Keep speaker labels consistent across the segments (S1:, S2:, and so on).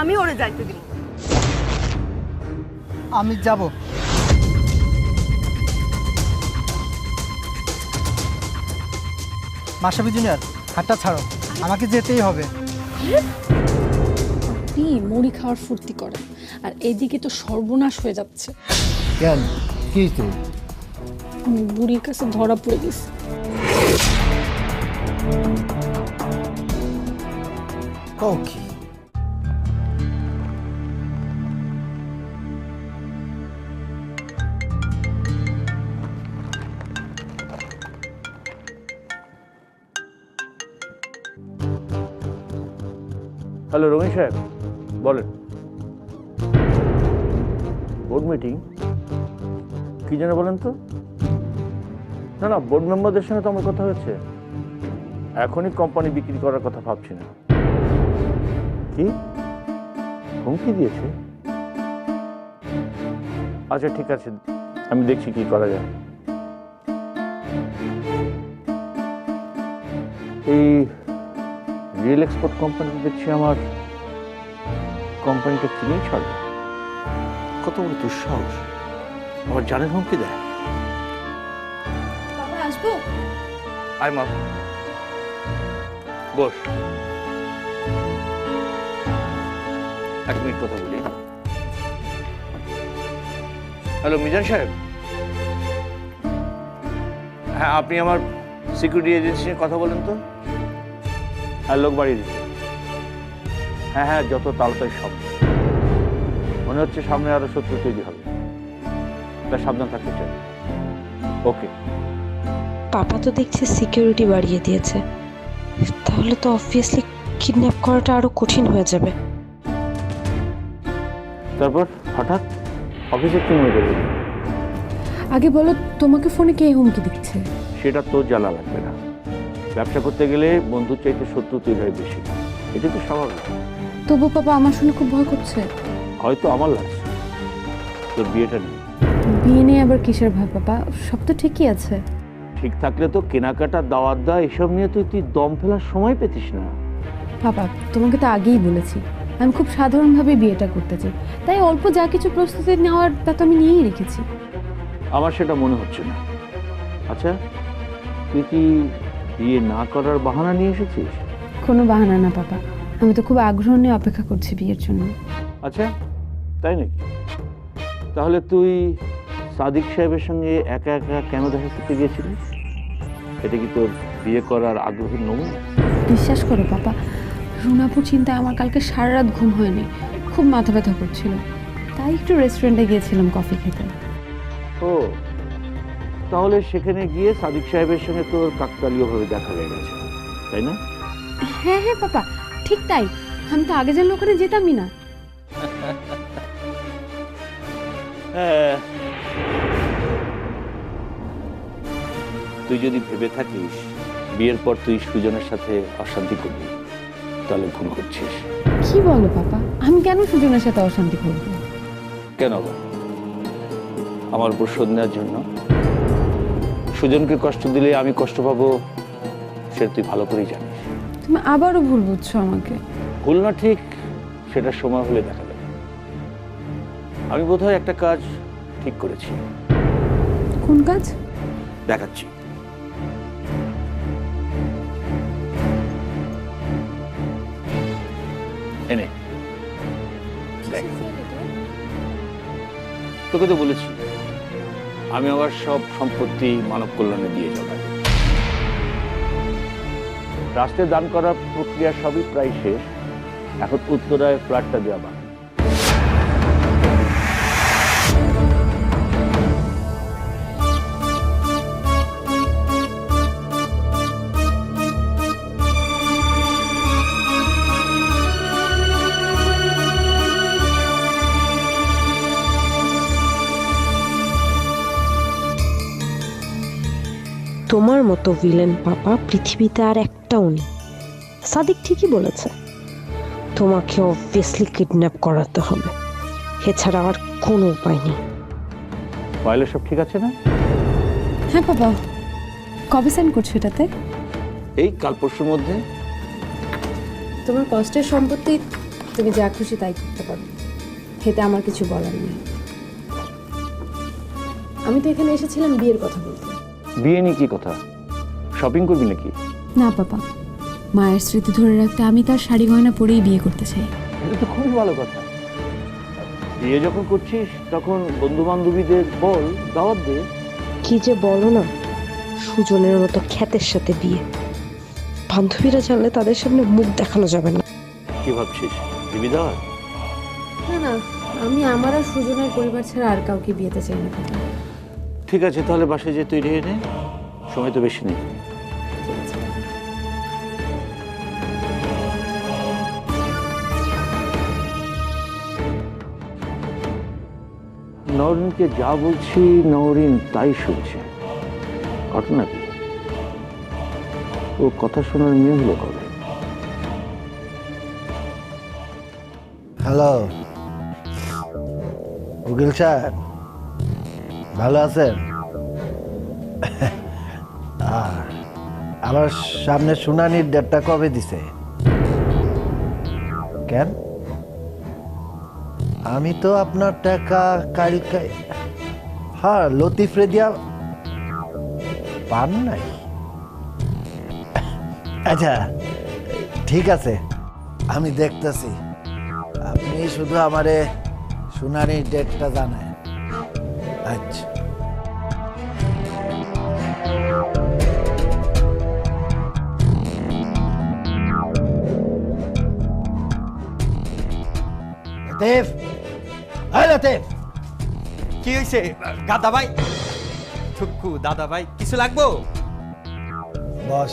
S1: আমি ওরে যাইতে দিব।
S2: আমি যাব। মাসাবি জুনিয়র, হাতটা ছাড়ো, আমাকে যেতেই হবে।
S3: আপনি মুড়ি খাওয়ার ফুর্তি করেন আর এইদিকে তো সর্বনাশ হয়ে যাচ্ছে।
S4: কেন কি তো
S3: আমি বুড়ির কাছে ধরা পড়ে গেছি।
S4: ওকে
S5: হ্যালো রমেশ সাহেব, বলেন। বোর্ড মিটিং কি যেন বলেন তো? না না, বোর্ড মেম্বারদের সঙ্গে তো আমার কথা হয়েছে। এখনই কোম্পানি বিক্রি করার কথা ভাবছি না। কি হুমকি দিয়েছে? আচ্ছা ঠিক আছে, আমি দেখছি কি করা যায়। এই রিয়েল এক্সপোর্ট কোম্পানি দেখছি আমার কোম্পানিটা কিনেই ছাড়বে। কত বড় দুঃসাহস! আমার জানের হুমকি দেয়।
S3: বাবা আসবো?
S5: আয় মা, বস। এক মিনিট কথা বলি। হ্যালো মিজান সাহেব, হ্যাঁ আপনি আমার সিকিউরিটি এজেন্সি নিয়ে কথা বলেন তো। হ্যাঁ লোক বাড়িয়ে দিচ্ছে। হ্যাঁ হ্যাঁ, যত তাড়াতাড়ি সম্ভব। মনে হচ্ছে সামনে আরো শত্রু তৈরি হবে, তা সাবধান থাকতে চাই। ওকে।
S6: পাপা তো দেখছি সিকিউরিটি বাড়িয়ে দিয়েছে, তাহলে তো অবভিয়াসলি কিডন্যাপ করাটা আরো কঠিন হয়ে যাবে।
S5: তারপর হঠাৎ অফিসে কি মনে করবে?
S3: আগে বলো, তোমাকে ফোনে কে হুমকি দিচ্ছে?
S5: সেটা তোর জ্বালা লাগবে না। ব্যবসা করতে গেলে বন্ধুর চাইতে শত্রু তৈরি হয় বেশি, এটা তো স্বাভাবিক।
S3: তবু পাপা আমার শুনে খুব ভয় করছে।
S5: হয়তো আমার লাগছে, তোর বিয়েটা নেই।
S3: বিয়ে নিয়ে আবার কিসের ভয় পাপা? সব তো ঠিকই আছে।
S5: ঠিক থাকলে তো কেনাকাটা, দাওয়াত দেওয়া এসব নিয়ে তুই দম ফেলার সময় পেতিস না।
S3: পাপা তোমাকে তো আগেই বলেছি আমি খুব সাধারণভাবে বিয়েটা করতে চাই, তাই অল্প যা কিছু প্রস্তুতি নেওয়ার তা তো আমি নিয়েই রেখেছি।
S5: আমার সেটা মনে হচ্ছে না। আচ্ছা, তুই কি বিয়ে না করার বাহানা নিয়ে এসেছিস?
S3: কোনো বাহানা না পাপা, আমি তো খুব আগ্রহ নিয়ে অপেক্ষা করছি বিয়ের জন্য।
S5: আচ্ছা তাই নাকি? তাহলে তুই সাদিক সাহেবের সঙ্গে একা একা কেন দেখা করতে গিয়েছিলিস? এটা কি তোর বিয়ে করার আগ্রহের নমুনা?
S3: বিশ্বাস করো পাপা, রুনাপুর চিন্তায় আমার কালকে সারা রাত ঘুম হয়নি, খুব মাথা ব্যথা করছিল, তাই একটু রেস্টুরেন্টে গিয়েছিলাম কফি খেতে।
S5: ও, তাহলে সেখানে গিয়ে সাদিক সাহেবের সঙ্গে তোর কাকতালীয়ভাবে দেখা হয়ে গেছে, তাই না?
S3: হ্যাঁ হ্যাঁ পাপা, ঠিক তাই। আমি তো আগে জানলে ওখানে যেতামই না।
S5: হ্যাঁ, তুই যদি ভেবে থাকিস বিয়ের পর তুই সুজনের সাথে অশান্তি করবি, তাহলে ভুল করছিস।
S3: কি বলো পাপা, আমি কেন সুজনের সাথে অশান্তি করবো?
S5: কেন বা? আমার উপর শোধ নেওয়ার জন্য? সুজনকে কষ্ট দিলে আমি কষ্ট পাবো, সেটা তুই ভালো করেই জানিস।
S3: তুমি আবারও ভুল বুঝছো আমাকে।
S5: ভুল না ঠিক সেটা সময় হলে দেখা যাবে। আমি বোধহয় একটা কাজ ঠিক করেছি।
S3: কোন কাজ?
S5: দেখাচ্ছি। এনে দেখ। তোকে তো বলেছি আমি আমার সব সম্পত্তি মানব কল্যাণে দিয়ে যাব। রাষ্ট্রে দান করার প্রক্রিয়া সবই প্রায় শেষ, এখন উত্তরায় ফ্ল্যাটটা দেওয়া বাকি।
S6: তোমার মতো ভিলেন পাপা পৃথিবীতে আর একটাও নেই। সাদিক ঠিকই বলেছে, তোমাকে অবভিয়াসলি কিডন্যাপ করাতে হবে, এছাড়া আর কোনো উপায় নেই।
S5: ফাইলে সব ঠিক আছে না?
S3: হ্যাঁ পাপা, কবে সাইন করছো এটাতে?
S5: এই কাল পরশুর মধ্যে।
S3: তোমার কষ্টের সম্পত্তি তুমি যা খুশি তাই করতে পারো, এতে আমার কিছু বলার নেই। আমি তো এখানে এসেছিলাম বিয়ের কথা বলতে।
S5: বিয়ে নিয়ে কি কথা? শপিং করবি নাকি?
S3: না বাবা, মায়ের স্মৃতি ধরে রাখতে আমি তার শাড়ি গয়না পরেই বিয়ে করতে চাই।
S5: এটা তো খুবই ভালো কথা। বিয়ে যখন করছিস তখন বন্ধু বান্ধবীদের বল, দাওয়াত দে।
S6: কি যে বলো না, সুজনের মতো খ্যাতের সাথে বিয়ে। বান্ধবীরা জানলে তাদের সামনে মুখ দেখানো যাবে না।
S5: কি ভাবছিস, দিবি দাওয়াত?
S3: না না, আমি আমার আর সুজনের পরিবার ছাড়া আর কাউকে বিয়েতে চাই না।
S5: ঠিক আছে, তাহলে বাসায় যে তৈরি হয়ে নে, সময় তো বেশি নেই। নওরিনকে যা বলছি নওরিন তাই শুনছে। ঘটনা কি? ও কথা শোনার মেয়ে হলো কবে?
S4: হ্যালো উকিল সাহেব, ভালো আছেন? আমার সামনে শুনানির ডেটটা কবে দিছে? কেন? আমি তো আপনার টাকা কালকে, হ্যাঁ, লতিফরে দিয়া পান নাই। আচ্ছা ঠিক আছে, আমি দেখতেছি। আপনি শুধু আমারে শুনানির ডেটটা জানায়। আচ্ছা। লতিফ, এই লতিফ,
S1: কি হয়েছে গাদা ভাই? ঠুকু দাদা ভাই, কিছু লাগবো?
S4: বস।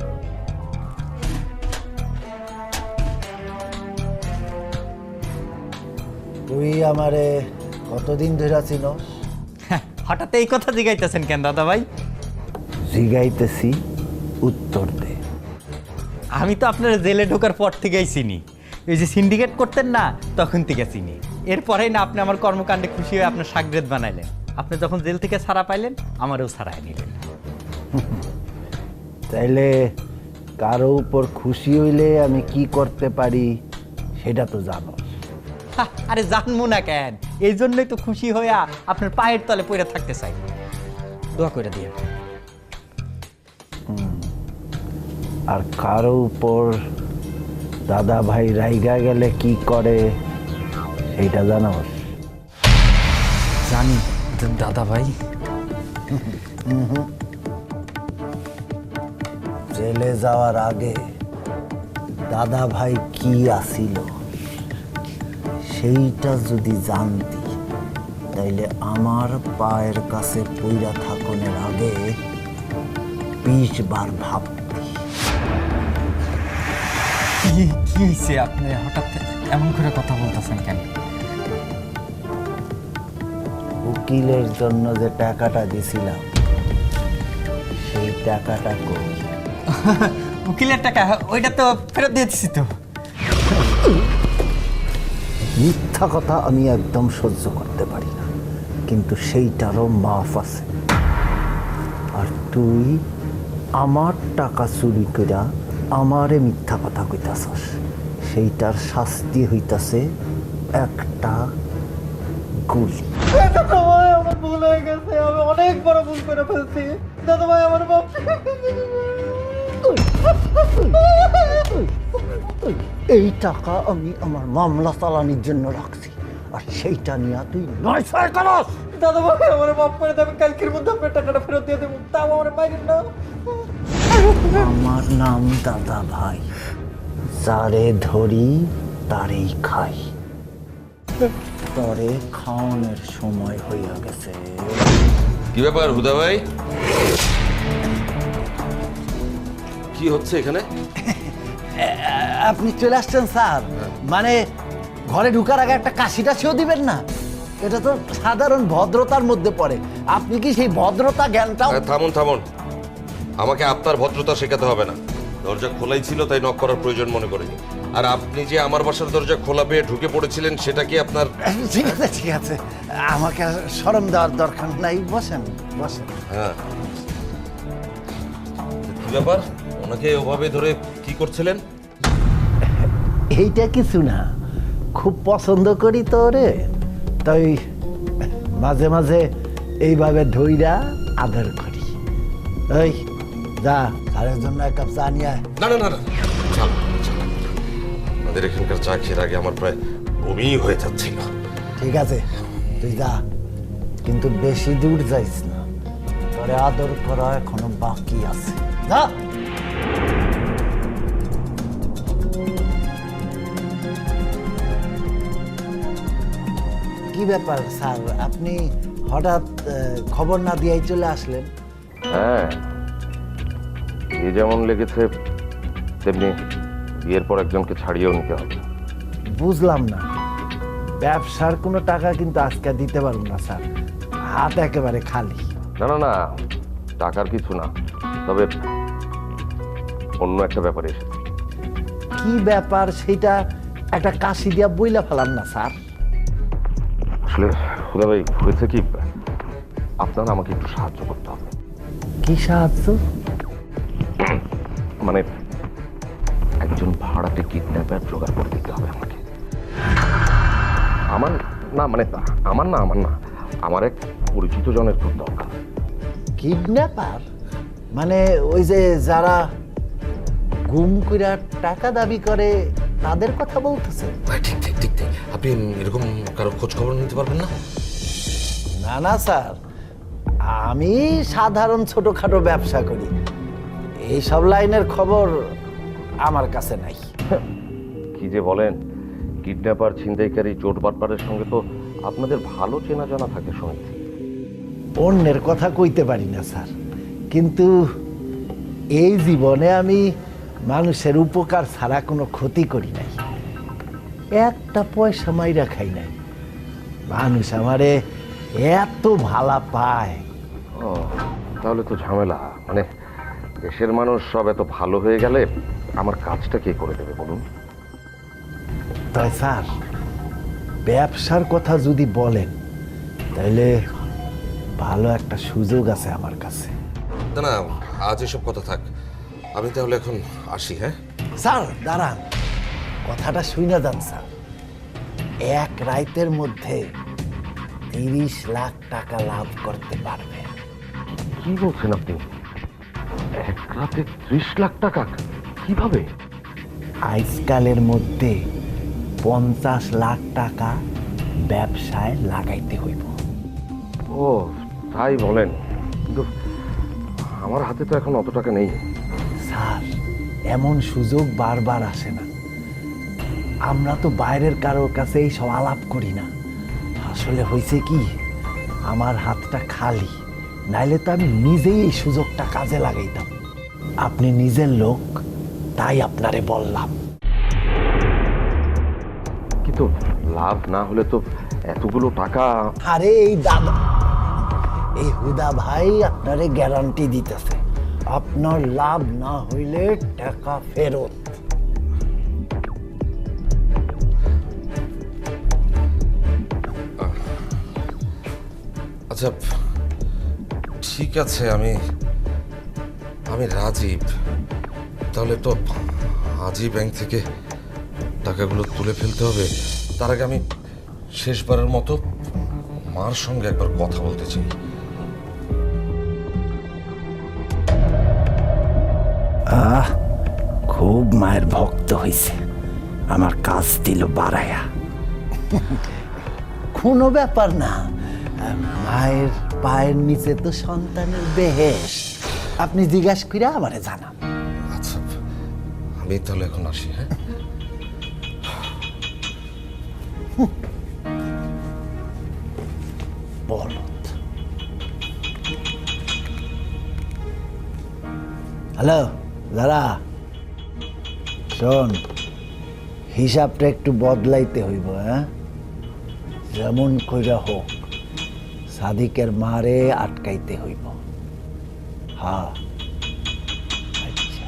S4: তুই আমারে কতদিন ধরে চিনস?
S1: হঠাৎ এই কথা জিগাইতেছেন কেন দাদা ভাই?
S4: জিগাইতেছি, উত্তর দে।
S1: আমি তো আপনার জেলে ঢোকার পর থেকেই চিনি। ওই যে সিন্ডিকেট করতেন না, তখন থেকে চিনি। এরপরেই না আপনি আমার কর্মকাণ্ডে খুশি হয়ে আপনার সাগরেদ বানাইলেন। আপনি যখন জেল থেকে ছাড়া পাইলেন, আমারও ছাড়াই নিলেন।
S4: তাইলে কারো উপর খুশি হইলে আমি কি করতে পারি সেটা তো জানো।
S1: আরে জানবো না কেন, এই জন্যই তো খুশি হইয়া আপনার পায়ের তলে পড়ে থাকতে চাই। দোয়া করে দিয়ে।
S4: আর কারো উপর দাদা ভাই রাইগা গেলে কি করে সেইটা জানোস?
S1: জানি দাদা ভাই।
S4: জেলে যাওয়ার আগে দাদা ভাই কি আসিল সেইটা যদি জানতি, তাইলে আমার পায়ের কাছে পইরা থাকনের আগে 20 বার ভাবতি।
S1: কি হয়েছে? আপনি হঠাৎ এমন করে কথা বলতেছেন কেন?
S4: উকিলের জন্য যে টাকাটা দিছিলাম সেই টাকাটা কই?
S1: উকিলের টাকা ওইটা তো ফেরত দিয়েছি তো।
S4: মিথ্যা কথা আমি একদম সহ্য করতে পারি না, কিন্তু সেইটারও মাফ আছে। আর তুই আমার টাকা চুরি কইরা আমারে মিথ্যা কথা কইতাছস, সেইটার শাস্তি হইতাছে একটা গুলি।
S2: আমার ভুল হয়ে গেছে, আমি অনেক বড় ভুল করে ফেলছি। দাদা ভাই আমার বাপ।
S4: এই টাকা আমি আমার মামলা চালানির জন্য রাখছি, আর সেইটা নিয়ে তুই নয় ছয় করস।
S2: দাদা ভাই আমার বাপ করে দেবে, কালকের মধ্যে আপনার টাকাটা ফেরত দিয়ে দেবো, তাও আমার বাইরের না।
S4: আমার নাম দাদা ভাই, যারে ধরি তারেই খাই। তরে খাওয়ানোর সময় হইয়া গেছে।
S7: কি ব্যাপার হুদা ভাই, কি হচ্ছে এখানে?
S4: আপনি চলে আসছেন স্যার, মানে ঘরে ঢুকার আগে একটা কাশিটা সেও দিবেন না? এটা তো সাধারণ ভদ্রতার মধ্যে পড়ে। আপনি কি সেই ভদ্রতা জ্ঞানটাও?
S7: থামুন থামুন, আমাকে আপনার ভদ্রতা শেখাতে হবে না। দরজা খোলাই ছিল তাই নক করার প্রয়োজন মনে করিনি। আর আপনি যে আমার বাসার দরজা খোলা পেয়ে ঢুকে পড়েছিলেন সেটা কি আপনার?
S4: ঠিক আছে ঠিক আছে, আমাকে আর শরম দেওয়ার দরকার নাই। বসেন বসেন।
S7: হ্যাঁ, কি ব্যাপার, ওনাকে ওভাবে ধরে কি করছিলেন?
S4: এইটা কিছু না, খুব পছন্দ করি তো রে, তাই মাঝে মাঝে এইভাবে ধইরা আদর করি। এই যা, স্যারের জন্য এক কাপ চা নিয়ে আয়।
S7: না না না না, চল চল। আমাদের এখানকার চা খেয়ে আগে আমার প্রায় বমি হয়ে যাচ্ছিল।
S4: ঠিক আছে, তুই যা, কিন্তু বেশি দূর যাইস না, তোরে আদর করা এখনো বাকি আছে। যা। কি ব্যাপার স্যার, আপনি হঠাৎ খবর না দিয়েই চলে আসলেন?
S7: হ্যাঁ, এ যেমন লেগেছে তেমনি বিয়ের পর একজনকে ছাড়িয়েও নিতে হবে।
S4: বুঝলাম না, ব্যবসার কোনো টাকা কিন্তু আজকে দিতে পারবো না স্যার, হাত একেবারে খালি।
S7: না না না, টাকার কিছু না, তবে অন্য একটা ব্যাপারে এসেছে।
S4: কি ব্যাপার সেটা একটা কাশি দিয়া বইলা ফেলাম না স্যার।
S7: আসলে খুদা ভাই, হয়েছে কি, আপনার আমাকে একটু সাহায্য করতে হবে।
S4: কি সাহায্য?
S7: মানে একজন ভাড়াটে কিডন্যাপার জোগাড় করে দিতে হবে আমাকে। আমার না, মানে আমার না, আমার এক পরিচিত জনের খুব দরকার।
S4: কিডন্যাপার? মানে ওই যে যারা গুম কইরা টাকা দাবি করে তাদের কথা বলতেছে?
S7: ঠিক ঠিক ঠিক ঠিক, আপনি এরকম কারো খোঁজ খবর নিতে পারবেন না?
S4: না না স্যার, আমি সাধারণ ছোটখাটো ব্যবসা করি, এইসব লাইনের খবর আমার কাছে নাই।
S7: কি যে বলেন, কিডন্যাপার, ছিনতাইকারী, চোর বাটপারের সঙ্গে তো আপনাদের ভালো চেনা জানা থাকে শুনেছি।
S4: অন্যের কথা কইতে পারি না স্যার, কিন্তু এই জীবনে আমি মানুষের উপকার ছাড়া কোনো ক্ষতি করি নাই, একটা পয়সা মাইরা খাই নাই। মানুষ আমারে এত ভালা পায়।
S7: ও, তাহলে তো ঝামেলা। মানে দেশের মানুষ সব এত ভালো হয়ে গেলে আমার কাজটা কে করে দেবে বলুন?
S4: তাই স্যার, ব্যবসার কথা যদি বলেন তাহলে ভালো একটা সুযোগ আছে আমার কাছে।
S7: না না, আজ এসব কথা থাক, আমি তাহলে এখন আসি। হ্যাঁ
S4: স্যার দাঁড়ান, কথাটা শুনে যান স্যার। এক রাতের মধ্যে 30 লাখ টাকা লাভ করতে পারবে।
S7: কি বলছেন আপনি? এক রাতে 30 লাখ টাকা? কিভাবে?
S4: আজকালের মধ্যে 50 লাখ টাকা ব্যবসায় লাগাইতে হইব।
S7: ও তাই বলেন, কিন্তু আমার হাতে তো এখন অত টাকা নেই।
S4: স্যার, এমন সুযোগ বারবার আসে না, আমরা তো বাইরের কারোর কাছে এই সব আলাপ করি না। আসলে হয়েছে কি, আমার হাতটা খালি, নাইলে তো আমি নিজেই এই সুযোগটা কাজে লাগাইতাম। আপনি নিজের লোক, তাই আপনারে বললাম।
S7: কিন্তু লাভ না হলে তো এতগুলো টাকা।
S4: আরে এই দাদা, এই হুদা ভাই আপনারে গ্যারান্টি দিতেছে, আপনার লাভ না হইলে টাকা ফেরত।
S7: আচ্ছা ঠিক আছে, আমি রাজীব। তাহলে তো আজই ব্যাংক থেকে টাকাগুলো তুলে ফেলতে হবে। তার আগে আমি শেষবারের মতো মার সঙ্গে একবার কথা বলতে চাই।
S4: খুব মায়ের ভক্ত হইছে, আমার কাজ দিল বাড়ায়া। কোনো ব্যাপার না, মায়ের পায়ের নিচে তো সন্তানের বেহেশ। আপনি জিজ্ঞাসা করে আমারে জানান।
S7: আচ্ছা, আমি তাহলে এখন আসি। হ্যাঁ,
S4: বলদ। হ্যালো দাদা, শোন, হিসাবটা একটু বদলাইতে হইব। হ্যাঁ, যেমন কইরা হোক সাদিকের মারে আটকাইতে হইব। হ্যাঁ আচ্ছা।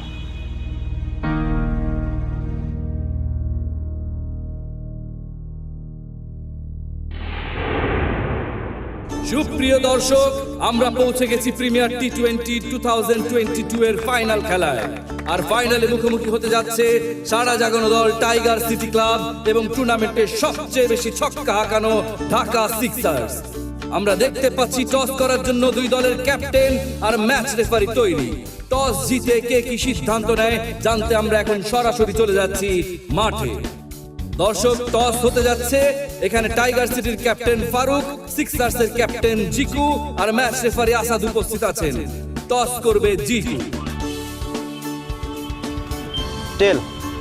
S8: সুপ্রিয় দর্শক, আমরা পৌঁছে গেছি প্রিমিয়ার টি-20 2022 এর ফাইনাল খেলায়। আর ফাইনালে মুখোমুখি হতে যাচ্ছে সারা জাগানো দল টাইগার সিটি ক্লাব এবং টুর্নামেন্টের সবচেয়ে বেশি ছক্কা হাঁকানো ঢাকা সিক্সার্স। আমরা দেখতে পাচ্ছি টস করার জন্য দুই দলের ক্যাপ্টেন আর ম্যাচ রেফারি তৈরি। টস জিতে কে কি সিদ্ধান্ত নেয় জানতে আমরা এখন সরাসরি চলে যাচ্ছি মাঠে। দর্শক, টস হতে যাচ্ছে। এখানে টাইগার সিটির ক্যাপ্টেন ফারুক, সিক্সার্সের ক্যাপ্টেন জিকু আর ম্যাচ রেফারি আসাদ উপস্থিত আছেন। টস করবে জিকু।
S2: টেল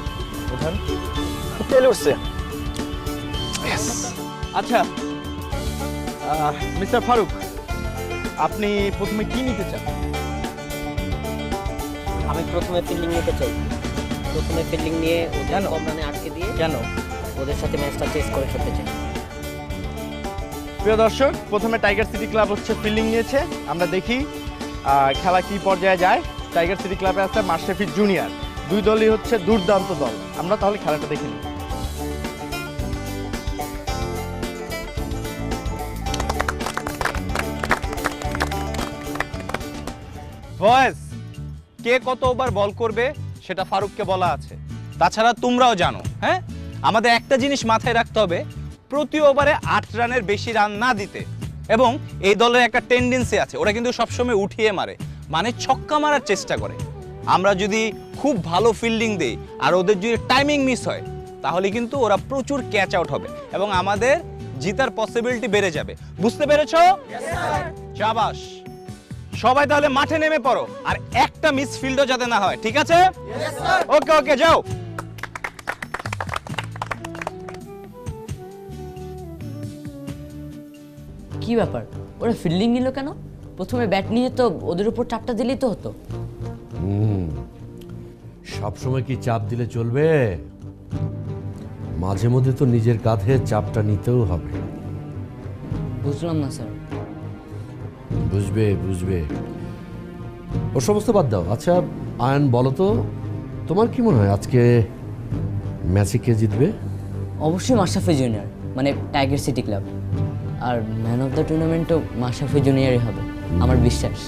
S2: টেল উঠছে। আচ্ছা মিস্টার ফারুক, আপনি প্রথমে কি নিতে চান?
S9: আমি প্রথমে ফিল্ডিং নিতে চাই। প্রথমে ফিল্ডিং নিয়ে ওদের কম রানে আটকে দিয়ে
S2: কেন?
S9: ওদের সাথে ম্যাচটা চেস করে ফেলতে চাই।
S2: প্রিয় দর্শক, প্রথমে টাইগার সিটি ক্লাব হচ্ছে ফিল্ডিং নিয়েছে। আমরা দেখি খেলা কি পর্যায়ে যায়। টাইগার সিটি ক্লাবে আছে মাশরাফি জুনিয়র। দুই দলই হচ্ছে দুর্দান্ত দল। আমরা তাহলে খেলাটা দেখে নিই। বয়েস, কে কত ওভার বল করবে সেটা ফারুককে বলা আছে। তাছাড়া তোমরাও জানো, হ্যাঁ, আমাদের একটা জিনিস মাথায় রাখতে হবে, প্রতি ওভারে 8 রানের বেশি রান না দিতে। এবং এই দলের একটা টেন্ডেন্সি আছে, ওরা কিন্তু সবসময় উঠিয়ে মারে, মানে ছক্কা মারার চেষ্টা করে। আমরা যদি খুব ভালো ফিল্ডিং দেই আর ওদের যদি টাইমিং মিস হয়, তাহলে কিন্তু ওরা প্রচুর ক্যাচ আউট হবে এবং আমাদের জিতার পসিবিলিটি বেড়ে যাবে। বুঝতে পেরেছো? শাবাশ। সবাই তাহলে মাঠে নেমে পড়ো, আর একটা মিস ফিল্ডও যাতে না হয়, ঠিক আছে? ওকে ওকে, যাও।
S10: কি ব্যাপার, ওরা ফিল্ডিং নিল কেন? প্রথমে ব্যাট নিয়ে তো ওদের উপর চাপটা দিলেই তো হতো।
S11: সবসময় কি চাপ দিলে চলবে? মাঝে মধ্যে তো নিজের কাঁধে চাপটা নিতেও হবে।
S10: বুঝলাম না স্যার।
S11: বুঝবে বুঝবে, ও সমস্ত বাদ দাও। আচ্ছা আয়ন, বলো তো তোমার কি মনে হয় আজকে ম্যাচে কে জিতবে?
S10: অবশ্যই মাশরাফি জুনিয়র, মানে টাইগার সিটি ক্লাব। আর ম্যান অফ দ্য টুর্নামেন্টও মাশরাফি জুনিয়রই হবে, আমার বিশ্বাস।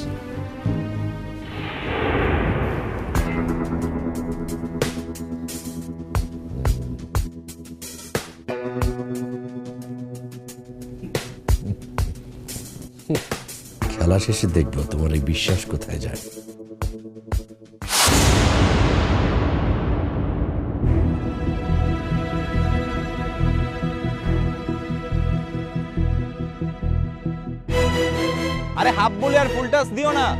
S11: খেলা শেষে দেখবো তোমার এই বিশ্বাস কোথায় যায়।
S2: আরে হাফ বলে আর ফুল টাচ দিও না।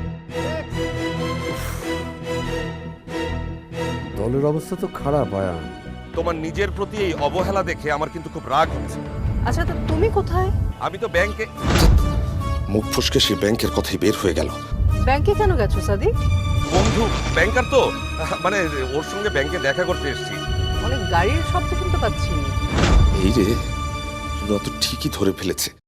S11: দলের অবস্থা তো খারাপ আয়ান।
S7: তোমার নিজের প্রতি এই অবহেলা দেখে আমার কিন্তু খুব রাগ হচ্ছে।
S6: আচ্ছা, তো তুমি কোথায়?
S7: আমি তো ব্যাংকে। মুখ ফুসকে সে ব্যাংকের কথাই বের হয়ে গেল।
S6: ব্যাংকে কেন গেছো সাদিক?
S7: বন্ধু ব্যাংকার তো, মানে ওর সঙ্গে ব্যাংকে দেখা করতে এসেছি।
S6: অনেক গাড়ির শব্দ শুনতে পাচ্ছি।
S7: এই রে, রত ঠিকই ধরে ফেলেছে।